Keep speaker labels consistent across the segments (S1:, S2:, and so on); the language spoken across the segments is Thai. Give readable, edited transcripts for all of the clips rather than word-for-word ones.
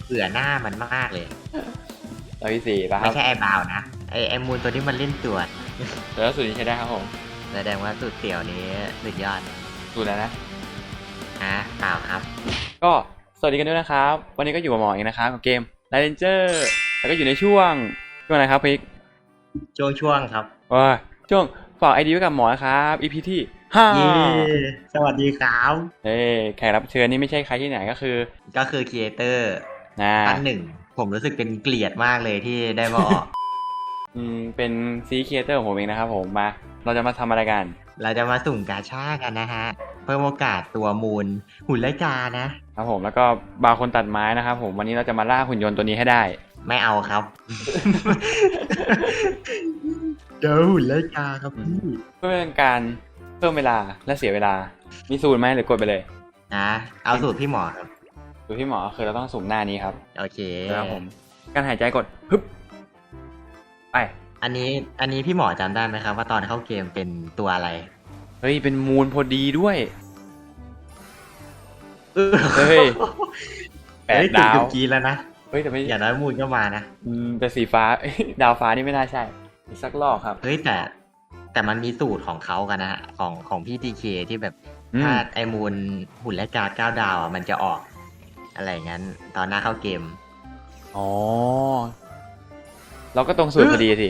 S1: เบื่อหน้ามันมากเลย
S2: ตัวที่สี่ป่ะครั
S1: ไม่
S2: บ
S1: ใช่ไอ้บาวนะไอ้มูลตัวที่มันเล่นตัว
S2: แล้วสูตรนี้ใช้ได้ครับผม
S1: แสดงว่าสูตรเตี่ยวนี้สุดยอด
S2: สูตรแล้วนะ
S1: เปล่าครับ
S2: ก็สวัสดีกันด้วยนะครับวันนี้ก็อยู่กับหมอเองนะครับกับเกม Ranger แล้วก็อยู่ในช่วงอะไรครับพิก
S1: ช่วงครับ
S2: ว่าช่วงฝากไอดีไว้กับหมอนะครับ EP ที่ห้า
S1: เย้สวัสดีครับ
S2: แขกรับเชิญนี่ไม่ใช่ใครที่ไหนก็คือ
S1: ก็คือครีเอเตอร์
S2: นะ
S1: ท่านหนึ่ง ผมรู้สึกเป็นเกลียดมากเลยที่ได้มาออก
S2: เป็นซีครีเอเตอร์ของผมเองนะครับผมมาเราจะมาทำอะไรกัน
S1: เราจะมาสุ่มกาชากันนะฮะ เพิ่มโอกาสตัวมูลหุ่นไลกานะ
S2: ครับผมแล้วก็บาร์คนตัดไม้นะครับผมวันนี้เราจะมาล่าหุ่นยนต์ตัวนี้ให้ได้
S1: ไม่เอาครับ เจอหุ่นไลกาครับพี่
S2: เพื่อเป็นการเพิ่มเวลาและเสียเวลา มีสูตรไหมหรือกดไปเลย
S1: เอาสูตรพี่หมอครับ
S2: สูตรที่หมอคือเราต้องสุ่มหน้านี้ครับ
S1: โอเค
S2: ครับผมการหายใจกดฮึบไป
S1: อันนี้พี่หมอจำได้ไหมครับว่าตอนเข้าเกมเป็นตัวอะไร
S2: เฮ้ยเป็นมูลพอดีด้วย เฮ้ย แปดดาว
S1: เกือบกีแล้วนะ
S2: เฮ้ยแต่ไม่
S1: อย่างน้อยมูลก็มานะ
S2: แต่สีฟ้า ดาวฟ้านี่ไม่น่าใช่อีกสักรอบครับ
S1: เฮ้ยแต่มันมีสูตรของเขากันนะฮะของพี่ทีเคที่แบบ
S2: อืม
S1: ถ้าไอมูลหุ่นและการ์ด9 ดาวอ่ะมันจะออกอะไรอย่างนั้น ตอนหน้าเข้าเกม
S2: อ๋อเราก็ตรงสูตรพอดีสิ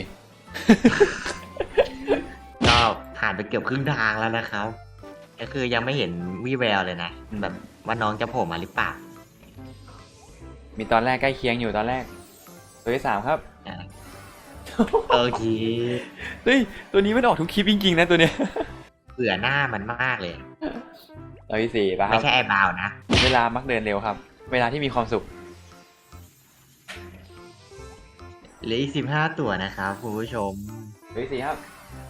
S1: ก็ผ่านไปเกือบครึ่งทางแล้วนะครับ ก็คือยังไม่เห็นวี่แววเลยนะแบบว่าน้องจะโผล่มาหรือเปล่า
S2: มีตอนแรกใกล้เคียงอยู่ตอนแรกตัวที่สามครับ
S1: อ่ะโอเค
S2: เฮ้ยตัวนี้มันออกทุกคลิปจริงๆนะตัวเนี้ย
S1: เบื่อหน้ามันมากเลย
S2: ตัวที่สี่ป่ะค
S1: ไม่
S2: รับ
S1: ใช่ไอ้บาวนะ
S2: เวลามักเดินเร็วครับ เวลาที่มีความสุข
S1: เหลืออีก15 ตัวนะครับคุณผู้ชม
S2: ตัวที่สี่ครับ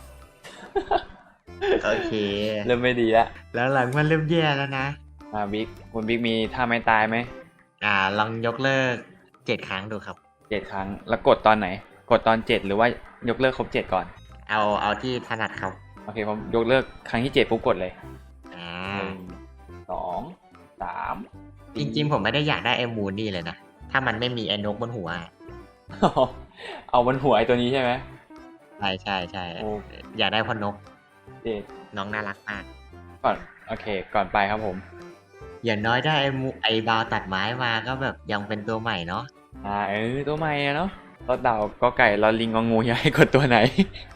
S1: โอเค
S2: เริ่มไม่ดีแล้ว
S1: แล้วหลังมันเริ่มแย่แล้วนะ
S2: บิ๊กคุณบิ๊กมีท่าไม้ตายไหม
S1: ลองยกเลิก7 ครั้งดูครับ
S2: 7 ครั้งแล้วกดตอนไหน กดตอน7หรือว่ายกเลิกครบ7ก่อน
S1: เอาที่ถนัดครับ
S2: โอเคผมยกเลิกครั้งที่7ปุ๊บกดเลย
S1: อ่า
S2: 1 2 3
S1: จริงๆผมไม่ได้อยากได้ไอ้มูนนี่เลยนะ ถ้ามันไม่มีไอ้นกบนหัว
S2: เอาบนหัวไอ้ตัวนี้ใช่ไหม
S1: ใช่
S2: โอ้
S1: อยากได้พอนก
S2: เจ็ด
S1: น้องน่ารักมาก
S2: ก่อนโอเค ก่อนไปครับผม
S1: อย่างน้อยได้ไอ้บาวตัดไม้มาก็แบบยังเป็นตัวใหม่เนาะ
S2: ตัวใหม่อะเนาะรถเดาก็ไก่รอลิงงองูอยากให้กดตัวไหน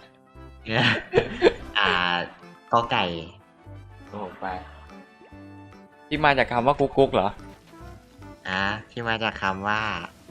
S1: ก็ไก่
S2: โอ้ไป ที่มาจากคำว่ากุ๊กกุ๊กเหรอ
S1: ที่มาจากคำว่า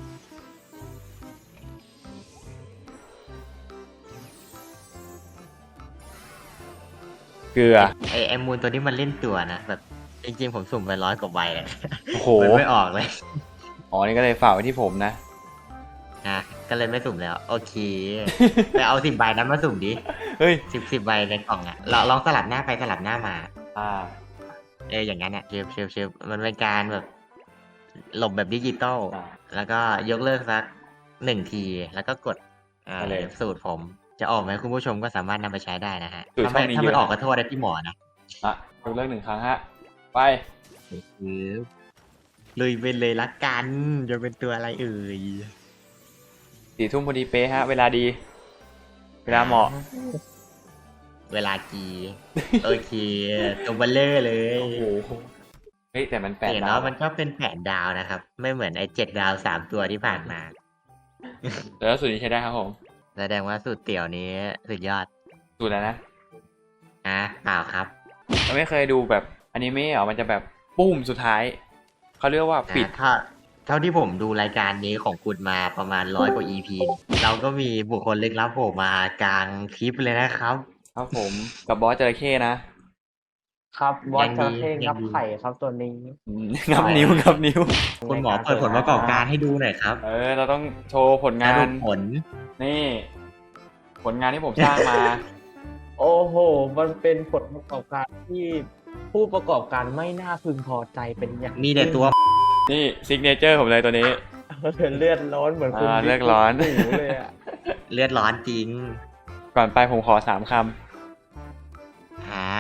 S2: เกลือ
S1: ไอ้มูนตัวนี้มันเล่นตัวนะแบบจริงๆผมสุ่มไป100 กว่าใบเลย
S2: โอ้โห
S1: มันไม่ออกเลย
S2: อ๋อ นี่ก็เลยฝากไว้ที่ผมนะ
S1: ก็เลยไม่สุ่มแล้ว โอเค ไปเอา10 ใบนั้นมาสุ่มดิ
S2: เฮ้ย
S1: 10 ใบในกล่องลองสลับหน้าไปสลับหน้ามา อย่างนั้นเชฟมันเป็นการแบบหลบแบบดิจิตอล
S2: อ่า
S1: แล้วก็ยกเลิกสัก1 ที แล้วก็กด
S2: ไปเลย
S1: สูตรผมจะออกไหมคุณผู้ชมก็สามารถนำไปใช้ได้นะฮะ
S2: สูตร
S1: ถ้าไม่
S2: ช่องนี้
S1: ถ้า
S2: เย
S1: ไม่
S2: อะ
S1: ออกก็โทษได้พี่หมอนะ
S2: ยกเลิก1 ครั้งฮะ ไป
S1: คือลุยไปเลยละกันจะเป็นตัวอะไรเอ่ย
S2: 4 ทุ่มพอดีเป๊ะฮะ เวลาดี เวลาเหมาะ
S1: เวลากี โอเคตัวเบลเลอร์เลย
S2: โอ้โห เฮ้ย แต่มัน8
S1: เห็น
S2: ดา
S1: เนาะ
S2: ว
S1: มันก็เป็น8 ดาวนะครับ ไม่เหมือนไอ้7 ดาว 3 ตัวที่ผ่านมา
S2: แล้วสูตรนี้ใช้ได้ครับผม
S1: แสดงว่าสูตรเตี่ยวนี้สุดยอด
S2: สูตรแล้วนะ
S1: เปล่าครับ
S2: เราไม่เคยดูแบบอนิเมะเหรอมันจะแบบปุ้มสุดท้าย เขาเรียกว่าปิด
S1: เท่าที่ผมดูรายการนี้ของคุณมาประมาณ100 กว่า EP เราก็มีบุคคลลึกลับโผล่มากลางคลิปเลยนะครับ
S2: ครับผมกับบอสจระเข้นะ
S3: ครับบอส
S1: ยัง
S3: จ
S1: ดี
S3: ระเข้
S1: ยั
S3: งั
S1: ง
S3: บ
S1: ดี
S3: ไข่ครับตัวนี้
S2: งับนิ้วงับนิ้ว
S1: คุณหมอเปิดผลประกอบการให้ดูหน่อยครับ
S2: เราต้องโชว์ผลงา
S1: สรุ
S2: น
S1: ปผล
S2: นี่ ผลงานที่ผมสร้างมา
S3: โอ้โห มันเป็นผลประกอบการที่ผู้ประกอบการไม่น่าพึงพอใจเป็นอย่าง
S1: มีแต่ตัว
S2: นี่ซิกเนเจอร์ผมเลยตัวนี้
S3: เป็นเลือดร้อนเหมือนคุณ
S2: เลือดร้อน
S3: บิ๊กหมูเลยอะ
S1: เลือดร้อนจริง
S2: ก่อนไปผมขอ3 ค
S1: ฮะ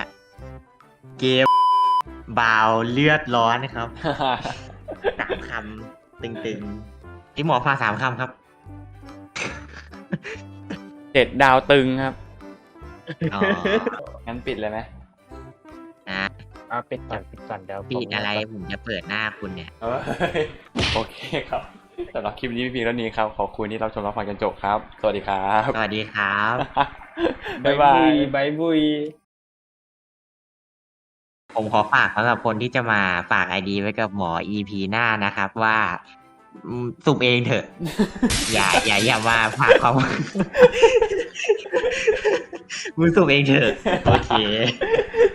S1: เกมบาวเลือดร้อนครับ
S2: ำ
S1: 3 คตึงๆที่หมอฝาก3 คำครับ
S2: 7 ดาวตึงครับ
S1: อ๋อ
S2: งั้นปิดเลยไหม
S1: นะ
S3: ปิดก่อนเดี๋ยวผม
S1: ปิดอะไรผมจะเปิดหน้าคุณเนี่ย
S2: เอ้ยโอเคครับสำหรับคลิปนี้มีเพียงเท่านี้ครับ ขอบคุณที่รับชมรับฟังจนจบครับ สวัสดีครับ
S1: สวัสดีครับ
S2: บ๊ายบาย
S3: บายบุย
S1: ผมขอฝากสำหรับคนที่จะมาฝากไอดีไว้กับหมอ EP หน้านะครับว่าสุ่มเองเถอะ อย่ามาฝากเขามึงสุ่มเองเถอะ โอเค